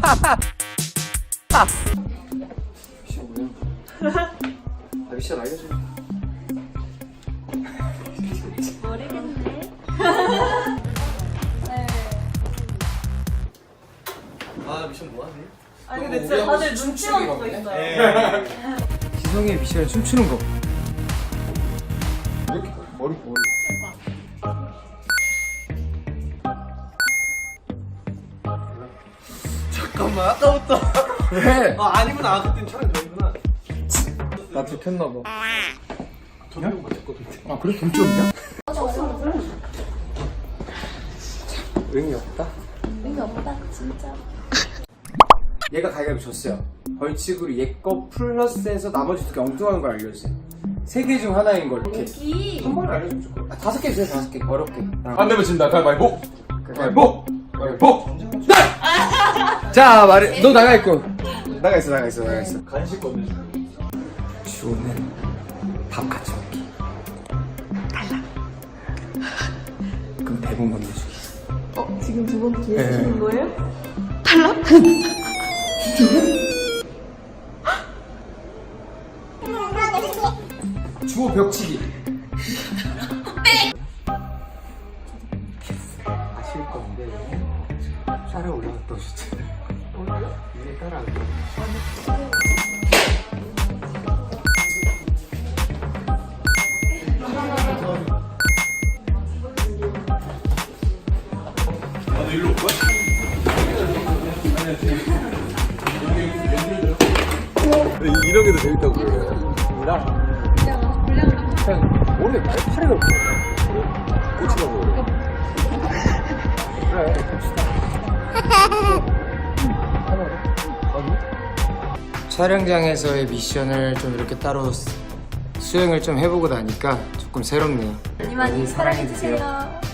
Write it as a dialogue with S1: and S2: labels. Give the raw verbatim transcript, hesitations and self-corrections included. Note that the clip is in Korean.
S1: 미션 뭐야? 아 미션 알려줘.
S2: 모르겠네.
S1: 아 미션 뭐하지?
S2: 아니 근데 진짜 다들 눈치만 보고 있어요.
S1: 지성이의 미션은 춤추는 거. 이렇게 머리 머리. 잠깐만 아까부터. 왜?
S3: 아 아니구나. 아, 그땐 촬영 전이구나.
S1: 나 들켰나봐.
S3: 전용 맞췄거든.
S1: 아 그래? 동점이야? 의미 없다?
S2: 의미 없다 진짜.
S1: 얘가 가위바위보 졌어요. 벌칙으로 얘 거 플러스해서 나머지 두 개 엉뚱한 걸 알려주세요. 세 개 중 하나인 걸 이렇게
S2: 여기
S1: 한 번에 알려주면 좋을 거야. 아, 다섯 개 주세요. 다섯 개 어렵게.
S3: 안 되면 진다. 가위바위보. 가위바위보. 가위바위보.
S1: 자 말해. 너 나가 있고. 나가 있어 나가 있어 나가 있어.
S3: 간식 건네줘.
S1: 주호는 밥 같이 먹기. 달라. 그럼 대본 건네주기.
S2: 어 지금 두 번 기회
S1: 네.
S2: 주시는 거예요?
S1: 주호 벽치기. 아실 건데 쌀에 올라갔다 오셨잖아요. 위에 따라가고.
S3: 아, 너 일로 올 거야? 이런 게 더 재밌다고 그래요.
S1: 그냥 원래 말파리가 없어.
S3: 꼬치라고 그래.
S1: 그래 봅시다. 촬영장에서의 미션을 좀 이렇게 따로 수- 수행을 좀 해보고 나니까 조금 새롭네요.
S2: 많이 많이 사랑해주세요.